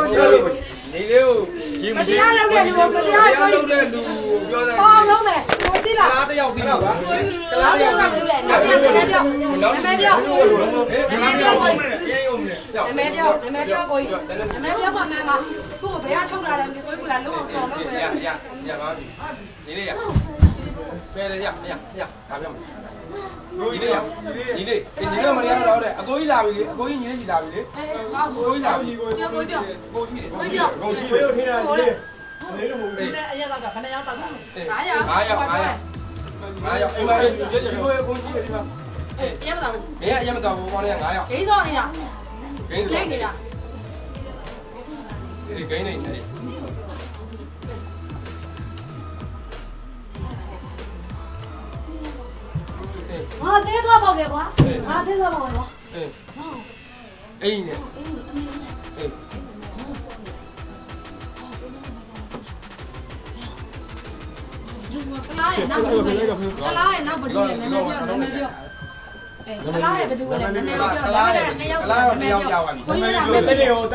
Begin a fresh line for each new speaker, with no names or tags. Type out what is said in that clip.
နေလေးကိုမတရားလုပ်တဲ့လူမတရားလုပ်တဲ့လူပြောတယ်ပေါင်းလုံးမယ်ကိုသိလားကလားတယောက်သိလားကလားတယောက်သိတယ်နာမည်ပြောနာမည်ပြောနာမည်ပြောကိုကြီးနာမည်ပြောကိုဘယ်ကထုတ်လာလဲကိုကြီးကလုံးအောင်တော်လို့ပဲရပါပြီနေလေးရပဲလေရဒါပြောမယ်ညီလေးညီလေးမရတော့တဲ့အကိုကြီးလာပြီလေအကိုကြီးညီလေးကြီးလာပြီလေကိုကြီးလာပြီကိုကြီးကိုကြီးကိုထင်းတာညီလေးလို့မဟုတ်ဘူးအရက်ကခဏရောက်တော့တာ900အိမ်မှာဒီကိုကိုကြီးဒီမှာရမတော့ဘူးရမတော့ဘူးဘောလေး900ဂိမ်းတော့နေတာဂိမ်းနေတာဒီဂိမ်းနေတယ်ငါသေးသွားပေါ့လေကွာငါသေးသွားပေါ့ကွာအေးနဲ့ကလားရဲ့နောက်ဘယ်လိုလဲကလားရဲ့နောက်ဘယ်လိုလဲနည်းနည်းပြောကလားရဲ့ဘယ်သူလဲနည်းနည်းပြောကလားရဲ့2ယောက်ကြာပါပြီ